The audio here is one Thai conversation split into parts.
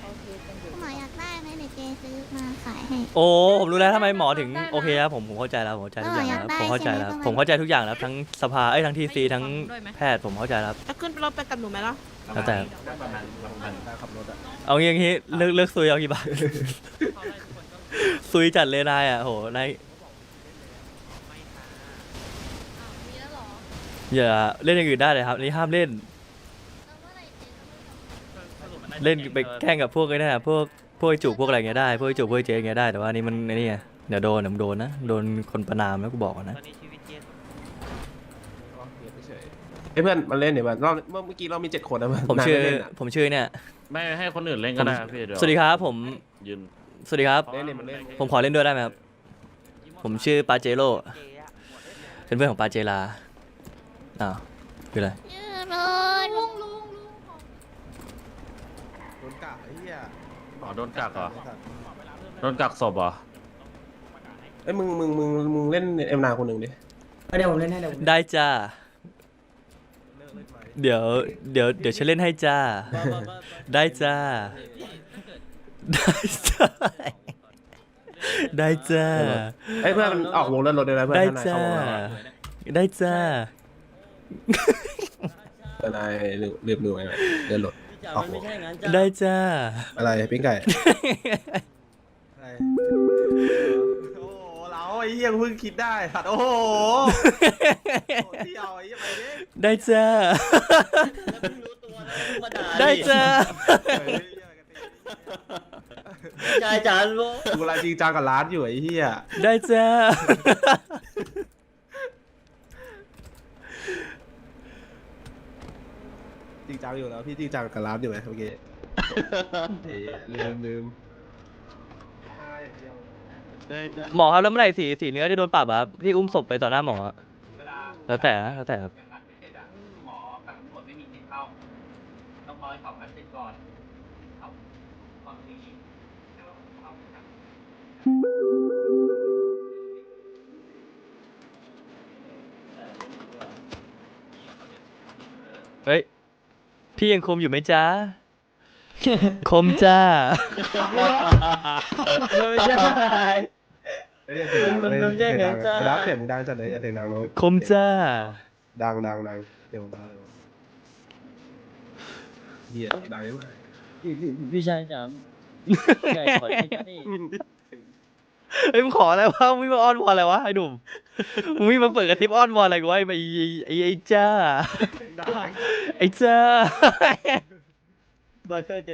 หมออยากได้ไหมเดี๋ยวเจซื้อมาขายให้โอ้ผมรู้แล้วทำไมหมอถึงโอเคครับผมเข้าใจแล้วผมเข้าใจทุกอย่างแล้วผมเข้าใจแล้วผมเข้าใจทุกอย่างแล้วทั้งสภาทั้งทีซีทั้งแพทย์ผมเข้าใจแล้วจะขึ้นรถไปกับหนูไหมล่ะแล้วแต่ประมาณขับรถอะเอางี้เลิกซุยเอากี่บาท ซุยจัดเลยนายอ่ะโหนายอย่าเล่นอย่างอื่นได้เลยครับนี่ห้ามเล่นเล่นไปแข่งกับพวกไอ้นั่นพวกไอ้จุกพวกอะไรเงี้ยได้พวกไอ้จุกพวกไอ้เจ๊เงี้ยได้แต่ว่านี่มันไอ้นี่ไงเดี๋ยวโดนนะโดนคนประนามแล้วกูบอกก่อนนะเฮ้ยเพื่อนมาเล่นเดี๋ยวมันรอบเมื่อกี้เรามี7 คนนะเพื่อนผมชื่อนายไเล่นอะผมชื่อเนี่ยไม่ให้คนอื่นเล่นก็ได้พี่เดี๋ยวสวัสดีครับผมยืนสวัสดีครับเล่นมันเล่นผมขอเล่นด้วยได้ไหมครับผมชื่อปาเจโร่เป็นเพื่อนของปาเจลาอ้าวคืออะไรยืนเลยลุงโดนกะไอ้เหี้ยอ๋อโดนกักเหรอโดนกักศพเหรอเอ้ยมึงเล่นเอ็มนาคนหนึ่งดิเดี๋ยวผมเล่นให้เดี๋ยวผมได้จ้าเดี๋ยวฉันเล่นให้จ้าได้จ้าได้จ้าได้จ้าเอ้ยเพื่อนมันออกวงเล่นรถเลยนะเพื่อนได้ถ้านายจ้าเข้าวงแล้วอะได้จ้าแต่นายลืมดูไงเล่นรถออกวไม่งใช่อย่างนั้นจ้ะได้จ้าอะไรปิ้งไก่โอ้โหเราไอ้เหี้ยเพิ่งคิดได้สัตว์โอ้โหเที่ยวไอ้เหี้ยไปดิได้จ้าแล้วเพิ่งรู้ตัวนะเพิ่งมาด่าได้จ้าใช่จ้าลูกกูรายจริงจังกับร้านอยู่ไอ้เหี้ยได้จ้าจริงจังอยู่แล้วพี่จริงจังกับร้านอยู่ไหมเมื่อกี้ลืมหมอครับแล้วเมื่อไหร่สีเนื้อจะโดนปรับอะครับที่อุ้มศพไปต่อหน้าหมออะแล้วแต่ครับหมอกับตำรวจไม่มีสิทธิ์เข้าต้องรอให้สอบการติดก่อนเอาความจริงเอาจากเฮ้ยพี่ยังคมอยู่ไหมจ๊ะ คมจ้าไม่ใช่ มันแย่งกันจ้าดับเสียงดังจัดเลยเสียงดังลงคมจ้าดังเดี๋ยวมาเหี้ยดังไหมพี่ชายจ๋าใหญ่ขอให้จ้าดิเฮ้ยมึงขออะไรวะมึงมาอ้อนวอนอะไรวะไอ้หนุ่มมึงไม่มาเปิดกระทิบอ้อนวอนอะไรกูวะไอ้จ้าไอ้จ้าบอยเคอร์จะ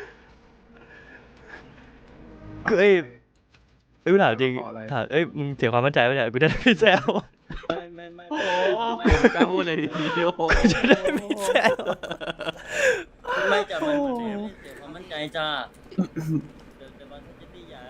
เอ้ยกูถามจริงถามมึงเสียความมั่นใจปะเนี่ยกูจะได้ไม่แซวไม่โอ้กล้าพูดเลยทีเดียวกูจะได้ไม่แซวไม่จ้ะมันเสียความมั่นใจจ้าเดี๋ยวมันจะตียา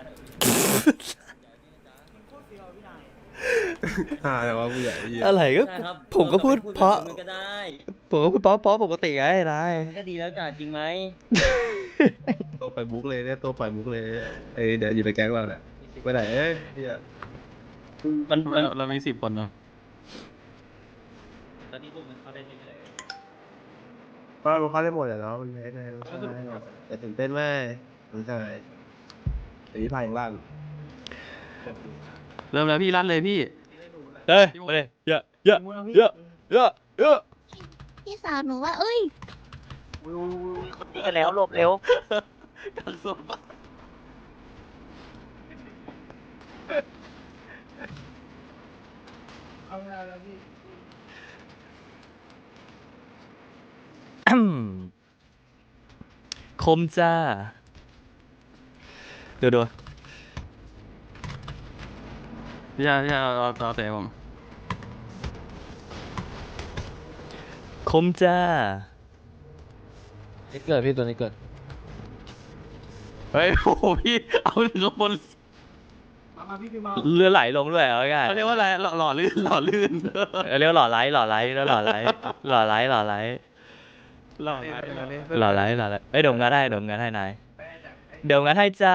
แต่ว่าผู้ใหญ่เหี้ยอะไรก็ใช่ครับผมก็พูดเพราะมันก็ได้ผมก็พูดเพราะปกติไงนายมันก็ดีแล้วจ้ะจริงไหมตัวไปมุกเลยเนี่ยตัวไปมุกเลยเอ้ยเดี๋ยวอยู่ในแก๊งเราเนี่ยไปไหนเอ้ยเหี้ยมันเรามี10 คนเนาะตอนนี้พวกมันเข้าได้เรื่อยก็มันเข้าได้หมดเลยเนาะมันไม่ได้แต่ตื่นเต้นไหมมันใช่แต่พี่พายยังลั่นเริ่มแล้วพี่ลั่นเลยพี่เฮ้ยมาเลยเยอะพี่สาวหนูว่าเอ้ยๆกันแล้วหลบเร็วกันสมบัติคมจ้าดูพี่ชายเอาเตะผมคมจ้านี่เกิดพี่ตัวนี้เกิดเฮ้ยโอ้โหพี่เอาถึงข้างบนเรือไหลลงด้วยเอาง่ายเขาเรียกว่าอะไรหล่อลื่นเรียกว่าหล่อไลท์แล้วหล่อไลท์เอ้ยเดี๋ยวงานให้นายเดี๋ยวงานให้จ้า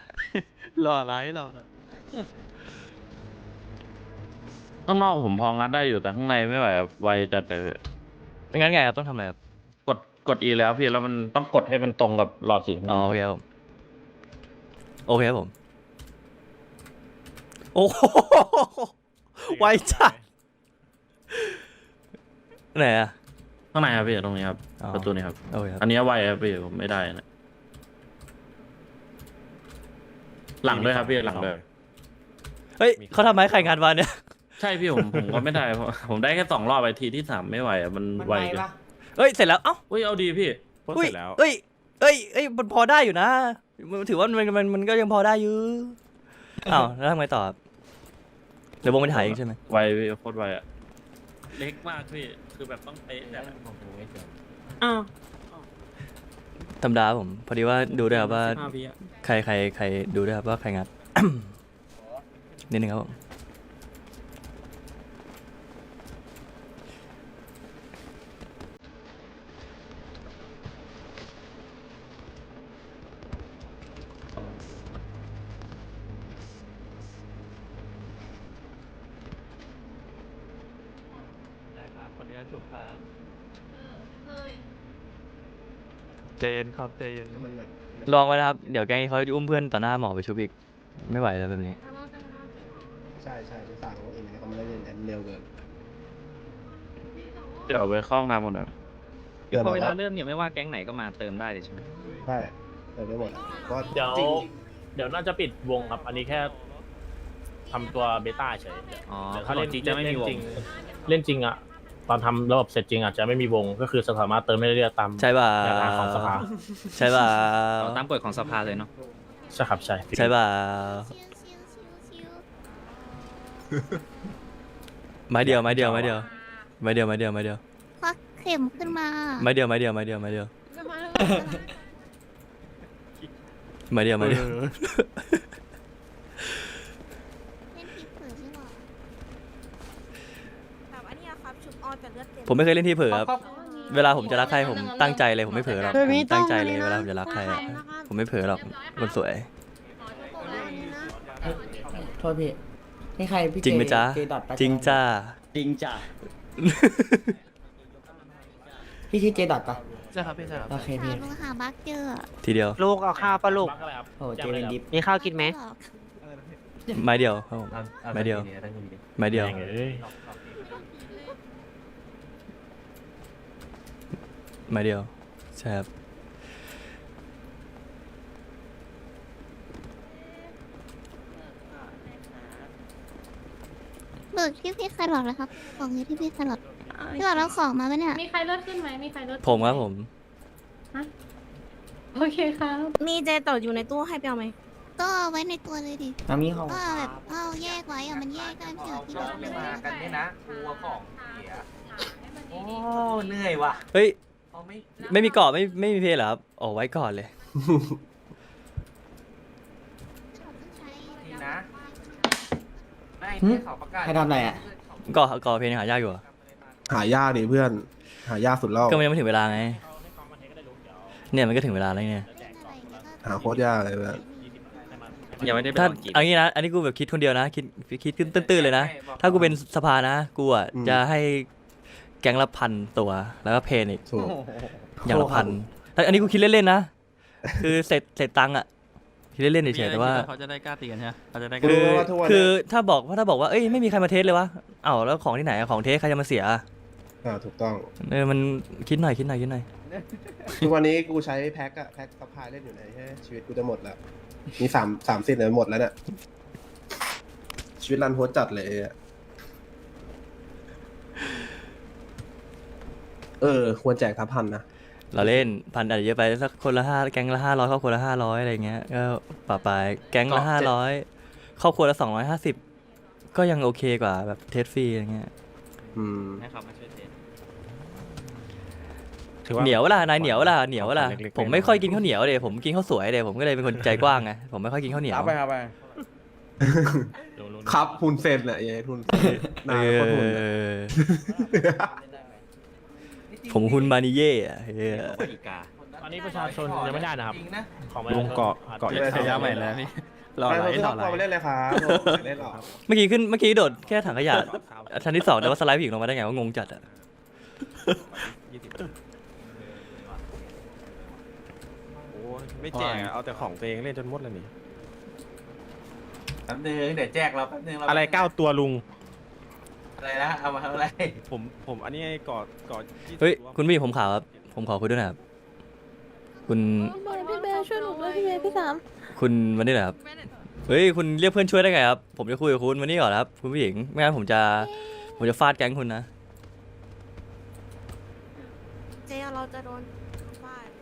ข้างนอกผมพองัดได้อยู่แต่ข้างในไม่ไหวครับไวจัดเลยไม่งั้นไงครับต้องทำอะไรครับกด E แล้วพี่แล้วมันต้องกดให้มันตรงกับหลอดสีอ๋อโอเคครับผมโอเคครับผมโอ้โหไวจัดไหนอะข้างในครับพี่ตรงนี้ครับอ๋อประตูนี้ครับโอเคครับอันนี้ไวครับพี่ผมไม่ได้นะหลังด้วยครับพี่หลังด้วยเฮ้ยเขาทำไมใครงานวันเนี่ยใช่พี่ผมก็ไม่ได้เพราะผมได้แค่2 รอบไปทีที่ 3ไม่ไหวอ่ะมันไวเกินเฮ้ยเสร็จแล้วเอ้าอุ้ยเอาดีพี่อุ้ยเอ้ยเอ้ยเอ้ยมันพอได้อยู่นะถือว่ามันก็ยังพอได้อยู่อ้าวแล้วทำไงต่อครับเดี๋ยววงไปถ่ายเองใช่ไหมไวพี่โคตรไวอ่ะเล็กมากพี่คือแบบต้องเป๊ะแบบธรรมดาครับผมพอดีว่าดูด้วยครับว่าใครดูด้วยครับว่าใครงาน นิดนึงครับผมเจนครับเจนลองไว้นะครับเดี๋ยวแกงเขาจะอุ้มเพื่อนต่อหน้าหมอไปชุบอีกไม่ไหวแล้วแบบนี้ใช่จะสั่งเขาเองเขาไม่ได้เล่นเร็วเกินเดี๋ยวไปเข้าห้องน้ำหมดเลยพอเวลาเริ่มเนี่ยไม่ว่าแก๊งไหนก็มาเติมได้เลยใช่ไหมใช่เติมได้หมดก็เดี๋ยวจริงเดี๋ยวน่าจะปิดวงครับ อันนี้แค่ทำตัวเบต้าเฉยอ๋อเดี๋ยวเขาเล่นจริงจะไม่มีวงเล่นจริงอ่ะ ตอนทำระบบเสร็จจริงอาจจะไม่มีวง ก็คือสามารถเติมได้เรื่อยๆตามใช่ป่ะแนวทางของสภาใช่ป่ะเอาตามกฎของสภาเลยเนาะใช่ครับใช่ใช่ป่ะชิวไม้เดียวควักเข็มขึ้นมาไม้เดียวเล่นผีเผือใช่หรอแบบอันเนี้ยครับชุบออนแต่เลือดเต็มผมไม่เคยเล่นที่เผลอครับเวลาผมจะรักใครผมตั้งใจเลยผมไม่เผลอหรอกผมตั้งใจเลยเวลาผมจะรักใครอะผมไม่เผลอหรอกคนสวยโทษพี่นี่ใครพี่จริงไหมจ๊ะเจดอทปะจริงจ้าจริงจ้ะพี่ชื่อเจดอทปะใช่ครับพี่ใช่ครับโอเคหาพี่ลูกหาบักเจอทีเดียวลูกเอาข้าวปะลูกบั๊กอะไรครับโอ้เจเป็นดิฟมีข้าวกินไหมหรอกไม้เดียวครับผมไม้เดียวไม้เดียวแม่งเอ้ยไม้เดียวใช่ครับเบิกที่พี่แครอทนะครับของอยู่ที่พี่แครอทพี่บอกแล้วของมาปะเนี่ยมีใครเลือดขึ้นไหมมีใครเลือดผมครับผมโอเคครับ มีเจต่ออยู่ในตู้ให้ไปเอาไหมก็เอาไว้ในตัวเลยดิมามีเขาก็แบบเอาแยกไว้อะมันแยกกันเฉยที่แบบไม่มากันเนี่ยนะโอ้เหนื่อยว่ะเฮ้ยไม่มีเกาะไม่มีเพลเหรอครับออกไว้ก่อนเลยนะใครทำอะไรอ่ะเกาะเพลหายากอยู่เหรอหายากดิเพื่อน หายากสุดรอบก็มันยังไม่ถึงเวลาไงเนี่ยมันก็ถึงเวลาแล้วเนี่ยหาโคตรยากเลยเพื่อนยังไม่ได้ไปถ้าลองกินเอางี้นะ อันนี้กูแบบคิดคนเดียวนะ คิดขึ้นตื้นๆเลยนะ ถ้ากูเป็นสภานะ กูอ่ะจะให้แก๊งละ1,000 ตัว แล้วก็เพนอีกถูกอย่างละ1,000แต่อันนี้กูคิดเล่นๆนะ คือเสร็จตังค์อ่ะ คิดเล่นๆเฉยๆแต่ว่าเขาจะได้กล้าตีกันใช่ไหมเขาจะได้กคืล้าอคือถ้าบอกว่าเอ้ยไม่มีใครมาเทสเลยวะเอ้าแล้วของที่ไหนอะของเทสใครจะมาเสียอะถูกต้องมันคิดหน่อยทุกวันนี้กูใช้แพ็คอะแพ็คซัพพลายเล่นอยู่ไหนใช่ไหมชีวิตกูจะหมดแล้ว มี30เนี่ยหมดแล้วเนี่ย ชีวิตรันโฮสจัดเลยอะควรแจกทับพันนะเราเล่นพันอาจจะเยอะไปสักคนละ5แก๊งละ500ครอบครัวละ500อะไรเงี้ยก็ป่าไปแก๊งละ500ครอบครัวละ250ก็ยังโอเคกว่าแบบเทสฟรีอะไรเงี้ยให้เขามาช่วยเทสถือว่าเหนียวเวลานายเหนียวเวลาผมไม่ค่อยกินข้าวเหนียวเดยผมกินข้าวสวยเดยผมก็เลยเป็นคนใจกว้างไงผมไม่ค่อยกินข้าวเหนียวครับหุ่นเซนแหละเย้หุ่นเซนนายโคตรหุ่นเลยผมคุณมานิเย่อะเหี้ยอีกาอันนี้ประชาชนยังไม่ได้นะครับ ของประชาชนลุงเกาะได้ฉายาใหม่แล้วพี่รอไปอะไรเรารออะไรเข้าไปเล่นเลยครับเล่นหรอเมื่อกี้โดดแค่ถังขยะชั้นที่2แต่ว่าสไลด์ผู้หญิงลงมาได้ไงว่างงจัดอะไม่แจกเอาแต่ของตัวเองเล่นจนหมดแล้วนี่แป๊บนึงเดี๋ยวแจกเราแป๊บนึงอะไร9 ตัวลุงอะไรนะเอามาทำอะไรผมอันนี้กอด20 เฮ้ยตัวคุณพี่ผมขาวครับผมขอคุยด้วยหนะครับคุณพี่เบลช่วยหนูด้วยพี่เบลพี่สามคุณวันนี้เหรอครับเฮ้ยคุณเรียกเพื่อนช่วยได้ไงครับผมจะคุยกับคุณวันนี้ก่อนครับคุณผู้หญิงไม่งั้นผมจะฟาดแก๊งคุณนะเจเราจะโดนฟาด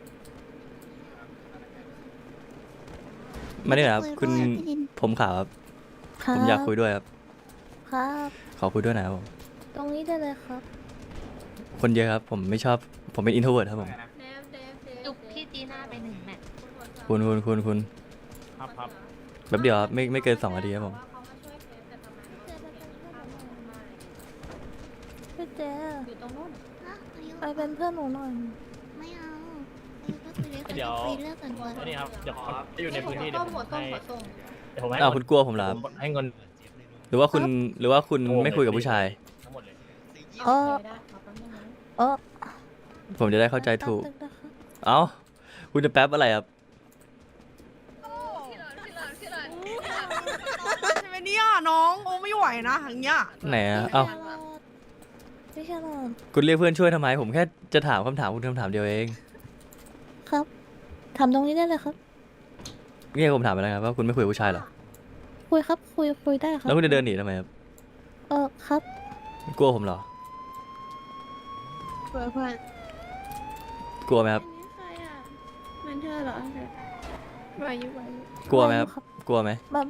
มานี่นะครับคุณคุยด้วยพี่ลินผมขาวครับผมอยากคุยด้วยครับครับขอคุยด้วยหนะครับผมตรงนี้ได้เลยครับคนเยอะครับผมไม่ชอบผมเป็นอินโทรเวิร์ครับผมจุกพี่จีน่าไป1 แมตช์คุณครับแป๊บเดียวครับไม่เกิน2 นาทีครับผมพี่เจอยู่ตรงนู้นอ่ะอายุไปเป็นเพื่อนหนูหน่อยไม่เอาอายุก็คุยเรื่องกันคุยเรื่องส่วนตัวนี่ครับเดี๋ยวจะอยู่ในพื้นที่เดี๋ยวผมให้เดี๋ยวผมให้อ้าวคุณกลัวผมเหรอครับให้เงินหรือว่าคุณไม่คุยกับผู้ชายทั้งหมดเลยเออผมจะได้เข้าใจถูกแป๊บนึงนะคะเอ้าคุณจะแป๊บอะไรครับใช่ไหมเนี่ยน้องโอ้ไม่ไหวนะอย่างเงี้ยไหนอะเอ้าพี่ชาลอดคุณเรียกเพื่อนช่วยทำไม ผมแค่จะถามคำถามคุณคำถามเดียวเองครับทำตรงนี้ได้เลยครับเนี่ยผมถามไปแล้วครับว่าคุณไม่คุยกับผู้ชายเหรอคุยครับคุยได้ครับแล้วคุณจะเดินหนีทำไมครับครับกลัวผมเหรอเพื่อนกลัวไหมครับมันเธอเหรอไหวอยู่กลัวไหมครับ กลัวไหมแบบ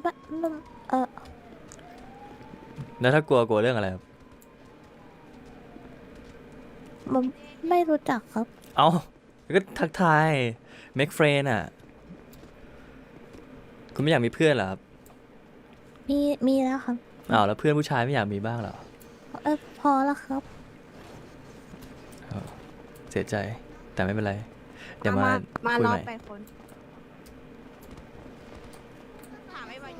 แล้วถ้ากลัวเรื่องอะไรครับมันไม่รู้จักครับเอ้าก็ทักทาย make friend อ่ะ คุณไม่อยากมีเพื่อนเหรอครับมีแล้วครับอ้าวแล้วเพื่อนผู้ชายไม่อยากมีบ้างเหรอพอแล้วครับเสียใจ แต่ไม่เป็นไร เดี๋ยวมามาคุยรอใหม่ไปคนถามไอ้วายุ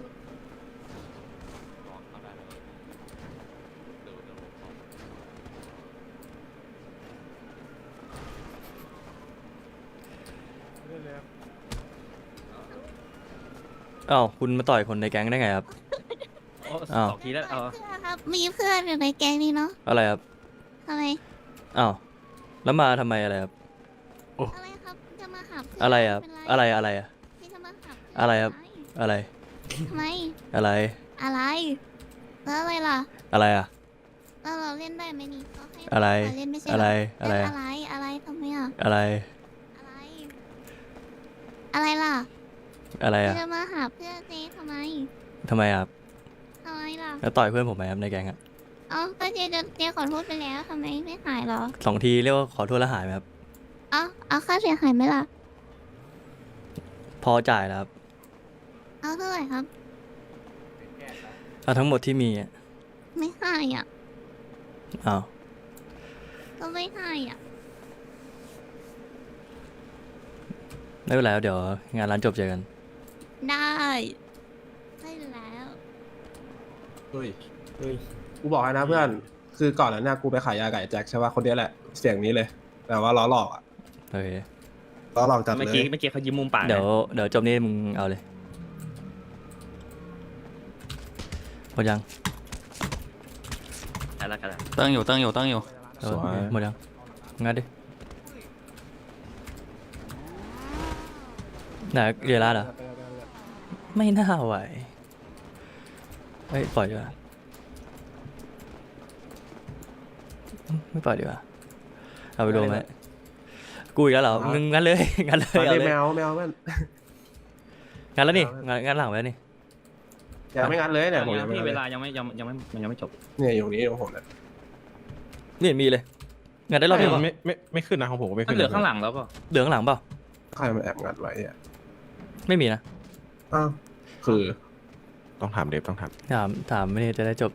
อ้าวคุณมาต่อยคนในแก๊งได้ไงครับโอ้อ้าว 2 ทีแล้วเอาเพื่อนครับมีเพื่อนอยู่ในแก๊งนี้เนาะอะไรครับทำไมอ้าวแล้วมาทำไมอะไรครับอะไรครับจะมาหาเพื่อนอะไรครับเป็นอะไรอะที่จะมาหาเพื่นอะไรครับ อะไรทำไมอะไรอะไรแล้วอะไรล่ะอะไรอะแล้วเราเล่นได้ไหมนี่เขาให้อะไรเล่นไม่ใช่อะไรเหอะไรเล่นอะไรทำไมอ่ะอะไรอะไร อะไรล่ะอะไรอะจะมาหาเพื่อนเจ๊ทำไมทำไมครับทำไมล่ะแล้วต่อยเพื่อนผมไหมครับในแก๊งอะเอ้าก็เจ๊ขอโทษไปแล้วทำไมไม่หายเหรอ 2 ทีเรียกว่าขอโทษแล้วหายไหมครับเอาค่าเสียหายไหมล่ะพอจ่ายแล้วครับเอาเท่าไหร่ครับเอาทั้งหมดที่มีอะไม่ให้อ่ะอ้าวก็ไม่ให้อ่ะไม่เป็นไรครับเดี๋ยวงานร้านจบเจอกันได้ได้แล้วเฮ้ยกูบอกให้นะเพื่อน คือก่อนนั้นเนี่ยกูไปขายยาไก่แจ็คใช่ป่ะคนเนี้ยแหละ เสียงนี้เลย แต่ว่าล้อหลอกอ่ะโอเคล้อหลอกจัดเมื่อเลยกี้เขายิ้มมุมปากนะเดี๋ยวจบนี้มึงเอาเลยหมดยังอะไรละกันละตั้งอยู่เออหมดยังงัดดิไหนเรียนร้านเหรอ ไม่น่าไหวเฮ้ยปล่อยดีกว่าไม่ปล่อยดีกว่าเอาไปดูไหมกูอีกแล้วเหรอมึงงั้นเลยงั้นเลยมาเอาดิเลยแมวเพื่อนงั้นแล้วนี่งั้นหลังไว้นี่ยังไม่งัดเลยเนี่ยผมยัยัง งไม่พี่งัดเวเลยลายังไม่จบเนี่ยอยู่นี้ของผมเนี่ยนี่มีเลยงั้นได้รอบเดียวไม่ขึ้นนะของผมก็ไม่มัขึ้นนเหลือข้างหลังแล้วเปล่าเหลืองหลังเปล่าใครมาแอบงัดไว้อ่ะไม่มีนะอ้าวคือต้องถามเดฟต้องถามถามไม่ได้จะได้จบ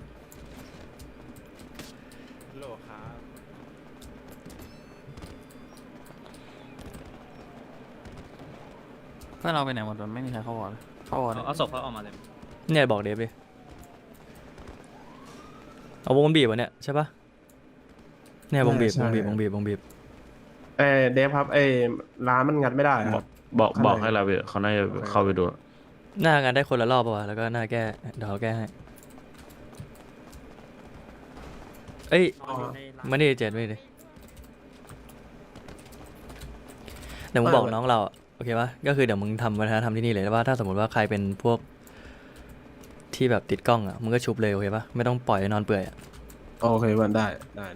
โลครับเพื่อนเราไปไหนหมดไม่มีใครเข้าวอร์ดเอาศพเขาออกมาเลยเนี่ยบอกเดฟดิเอาวงบีบวะเนี่ยใช่ปะเนี่ยวงบีบเดฟครับร้านมันงัดไม่ได้ครับบอกให้เราไปเขาน่าจะเข้าไปดูหน้างานได้คนละรอบป่ะวะแล้วก็หน้าแก้เดี๋ยวเขาแก้ให้เอ้ยมาดิเจ็ดมาดิเดี๋ยวมึงบอกน้องเราอะโอเคปะก็คือเดี๋ยวมึงทำวัฒนธรรมที่นี่เลยแล้วว่าถ้าสมมติว่าใครเป็นพวกที่แบบติดกล้องอ่ะมึงก็ชุบเลยโอเคปะไม่ต้องปล่อยให้นอนเปื่อยอ่ะโอเคมันได้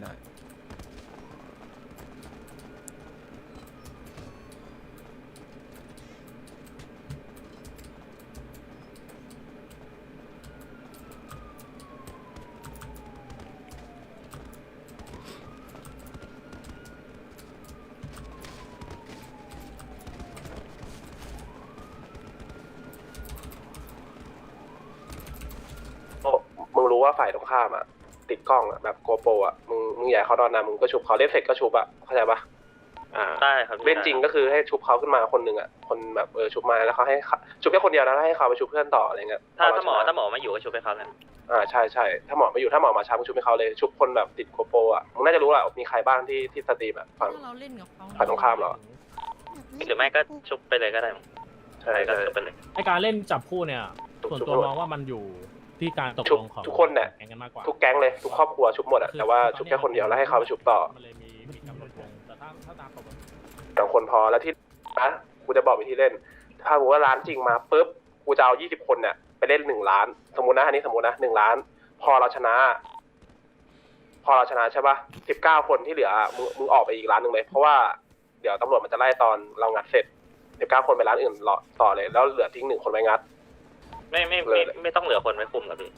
มึงรู้ว่าฝ่ายตรงข้ามอ่ะติดกล้องอ่ะแบบโกโปรอ่ะมึงอยากเขานอนนะมึงก็ชุบเขาเล่นเสร็จก็ชุบอ่ะเข้าใจปะได้ครับเล่นจริงก็คือให้ชุบเขาขึ้นมาคนหนึ่งอ่ะคนแบบชุบมาแล้วเขาให้ชุบแค่คนเดียวนะแล้วให้เขาไปชุบเพื่อนต่ออะไรเงี้ยถ้าหมอไม่อยู่ก็ชุบให้เขาเลยใช่ถ้าหมอไม่อยู่ถ้าหมอมาช้ามึงชุบให้เขาเลยชุบคนแบบติดโกโปรอ่ะมึงน่าจะรู้แหละมีใครบ้างที่สตรีมอ่ะฝั่งตรงข้ามเราหรือไม่ก็ชุบไปเลยก็ได้ใช่ก็ชุบไปเลยไอการเล่นจับคู่เนี่ยส่วนตัวมองว่ามันอยู่ที่การตกลงของทุกคนเนี่ยแก๊งกันมากกว่าทุกแก๊งเลยทุกครอบครัวชุบหมดอะแต่ว่าชุบแค่คนเดียวแล้วให้เขาไปชุบต่อมันเลยมีกำหนดวงแต่ถ้าตามปกติสองคนพอแล้วที่นะกูจะบอกวิธีเล่น ถ้าสมมติว่าร้านจริงมาปุ๊บกูจะเอา20 คนเนี่ยไปเล่น1 ล้านสมมตินะอันนี้สมมตินะ1 ล้าน พอเราชนะใช่ป่ะ19 คนที่เหลือมึงออกไปอีกร้านหนึ่งเลยเพราะว่าเดี๋ยวตำรวจมันจะไล่ตอนเรางัดเสร็จ19 คนไปร้านอื่นต่อเลยแล้วเหลือทิ้ง1 คนไว้งัดไม่ต้องเหลือคนไว้คุมหรอพี่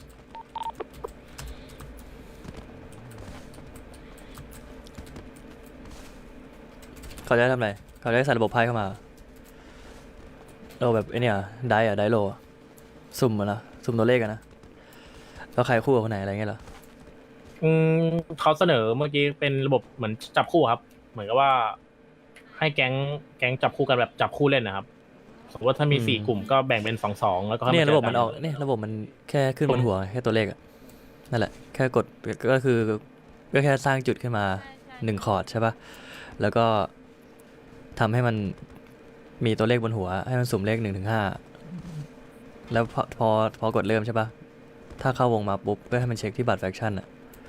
เขาจะทำอะไรเขาจะใส่ระบบไพ่เข้ามาเราแบบไอเนี่ยได้โลสุ่มนะสุ่มตัวเลขกันนะแล้วใครคู่กับคนไหนอะไรเงี้ยเหรอเขาเสนอเมื่อกี้เป็นระบบเหมือนจับคู่ครับ เหมือนกับว่า ให้แก๊งจับคู่กันแบบจับคู่เล่นนะครับสมมติว่าถ้ามี4 กลุ่มก็แบ่งเป็น2-2แล้วก็เนี่ยระบบมันออกเนี่ยระบบมันแค่ขึ้นบนหัวแค่ตัวเลขอะนั่นแหละแค่กดก็คือก็แค่สร้างจุดขึ้นมา1 คอร์ดใช่ปะแล้วก็ทำให้มันมีตัวเลขบนหัวให้มันสุ่มเลข1-5แล้วพอกดเริ่มใช่ปะถ้าเข้าวงมาปุ๊บก็ให้มันเช็คที่บัตรแฟคชั่นอะ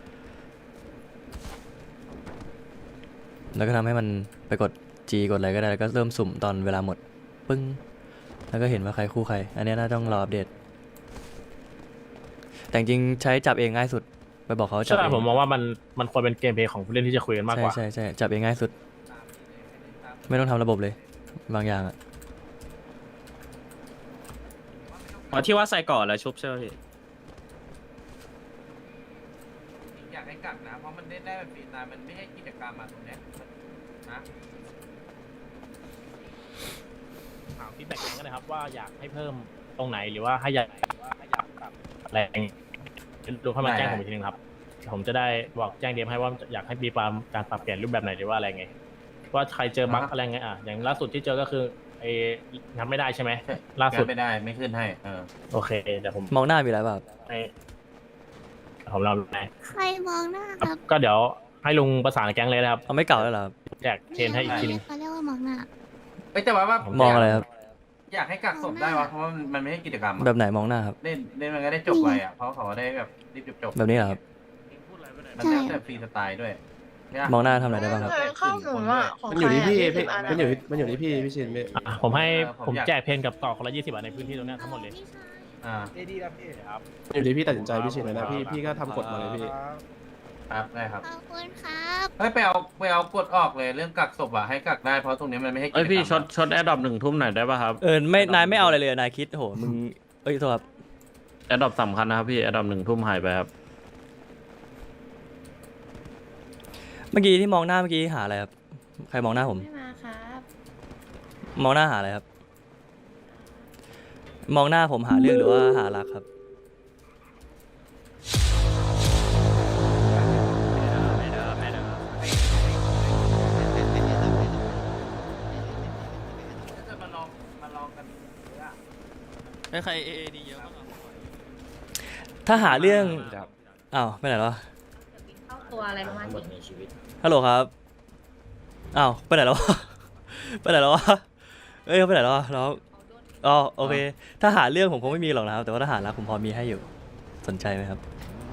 แล้วก็ทำให้มันไปกด G กดอะไรก็ได้แล้วก็เริ่มสุ่มตอนเวลาหมดปึ้งแล้วก็เห็นว่าใครคู่ใครอันนี้น่าต้องรออัปเดตแต่จริงๆใช้จับเองง่ายสุดไปบอกเขาจับเองใช่ผมมองว่ามันควรเป็นเกมเพลย์ของผู้เล่นที่จะคุยกันมากกว่าใช่จับเองง่ายสุดไม่ต้องทำระบบเลยบางอย่างอะที่ว่าใส่ก่อนแล้วชุบใช่ไหมพี่อยากให้กักนะ เพราะมันเล่นได้แบบฟรีสไตล์มันไม่ให้กิจกรรมมาตรงเนี้ยนะถามฟีดแบ็กกันนะครับว่าอยากให้เพิ่มตรงไหนหรือว่าให้อยากปรับอะไรอย่างเงี้ยดูให้มาแจ้งผมอีกทีนึงครับผมจะได้บอกแจ้งเดียมให้ว่าอยากให้มีการปรับเปลี่ยนรูปแบบไหนหรือว่าอะไรไงว่าใครเจอบั๊กอะไรไงอย่างล่าสุดที่เจอก็คือทำไม่ได้ใช่ไหมล่าสุดไม่ได้ไม่ขึ้นให้โอเคเดี๋ยวผมมองหน้ามีอะไรแบบผมเราไหนใครมองหน้าครับก็เดี๋ยวให้ลุงประสานแก๊งเลยนะครับเอาไม่เก่าแล้วเหรอแจกเทรนให้อีกทีนึงเขาเรียกว่ามองหน้าแต่ว่ามองอะไรครับอยากให้กักศพได้วะเพราะว่ามันไม่ให้กิจกรรมแบบไหนมองหน้าครับเล่นมันก็ได้จบไปอ่ะเพราะเขาได้แบบรีบจบแบบนี้เหรอครับมันแล้วแต่ฟรีสไตล์ด้วยมองหน้าทำอะไรได้บ้างครับข้อมูลว่าของมันอยู่ที่พี่ใครอะมันอยู่ที่พี่ชินพี่ผมแจกเพนกับต่อคนละ20 บาทในพื้นที่ตรงนี้ทั้งหมดเลยครับมันอยู่ที่พี่ตัดสินใจพี่ชินเลยนะพี่ก็ทำกฎมาเลยพี่ครับได้ครับขอบคุณครับเฮ้ยไปเอากดออกเลยเรื่องกักศพอ่ะให้กักได้เพราะตรงนี้มันไม่ให้กิจกรเอ้รยมพี่ช็อตแอดดอป1 ทุ่มหน่อยได้ป่ะครับไม่นายไม่เอาอะไรเลยนายคิดโหมึงเอ้ยโทษครับแอดดอปสำคัญนะครับพี่แอดดอป1 ทุ่มหายไปครับเมื่อกี้ที่มองหน้าเมื่อกี้หาอะไรครับใครมองหน้าผมไม่มาครับมองหน้าหาอะไรครับ มองหน้าผมหาเรื่องหรือว่าหารักครับใครเอดีเยอะมากถ้าหาเรื่องอ้าวไปไหนแล้วเข้าตัวอะไรประมาณนี้ฮัลโหลครับอ้าวไปไหนแล้ววะ ไปไหนแล้ววะเอ้ยไปไหนแล้ววะน้องอ๋อโอเคถ้าหาเรื่องผมคงไม่มีหรอกนะครับแต่ว่าถ้าหารักผมพอมีให้อยู่สนใจไหมครับ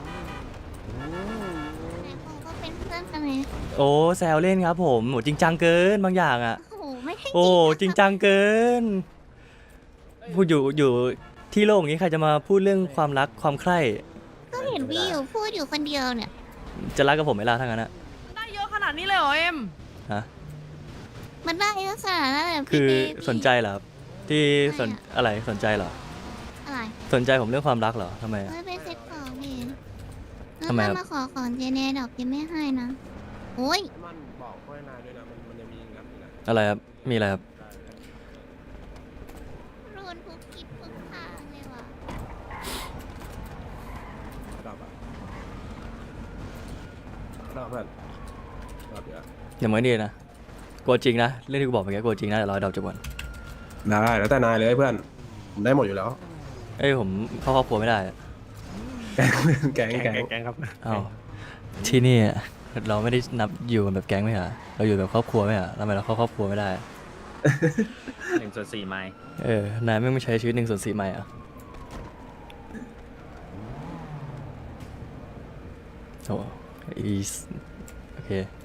แต่ผมก็เป็นเพื่อนกันไงโอ้แซวเล่นครับผมโหจริงจังเกินบางอย่างอ่ะโอ้โหไม่ได้โอ้จริงจังเกินพูดอยู่ที่โลกนี้ใครจะมาพูดเรื่องความรักความใคร่ก็เห็นพี่อยู่พูดอยู่คนเดียวเนี่ยจะรักกับผมไหมล่ะทั้างนั้นอะได้เยอะขนาดนี้เลยเหรอเอ็มฮะมันได้เยอะขนาดนั้นเลยเหรอคืพี่อเบบี้สนใจเหรอครับที่สนไม่อะอะไรสนใจเหรออะไรสนใจผมเรื่องความรักเหรอทำไมอะไม่ไปเซ็ตของพี่ทำไมครับแล้วมาขอของเจเนดอกยังไม่ให้นะโอ้ยมันบอกพ่อนายด้วยนะมันจะมีงับอยู่นะอะไรครับมีอะไรครับรุนทุกทิศทุกทางเลยว่ะดับอ่ะดับเพื่อนดับเดี๋ยวอย่ามาดีนะกลัวจริงนะเรื่องที่กูบอกเมื่อกี้กลัวจริงนะเดี๋ยวรอให้ดอกจบก่อนได้แล้วแต่นายเลยเพื่อนผมได้หมดอยู่แล้วเอ้ยผมเข้าครอบครัวไม่ได้อะแก๊งแกงครับอ้าวที่นี่อะเราไม่ได้นับอยู่กันแบบแก๊งไม่เหรอเราอยู่แบบครอบครัวไม่เหรอทำไมเราเข้าครอบครัวไม่ได้อะ 1/4 ไมล์นายไม่ใช้ชีวิต1/4 ใหม่อ่ะโอ้อีโอเค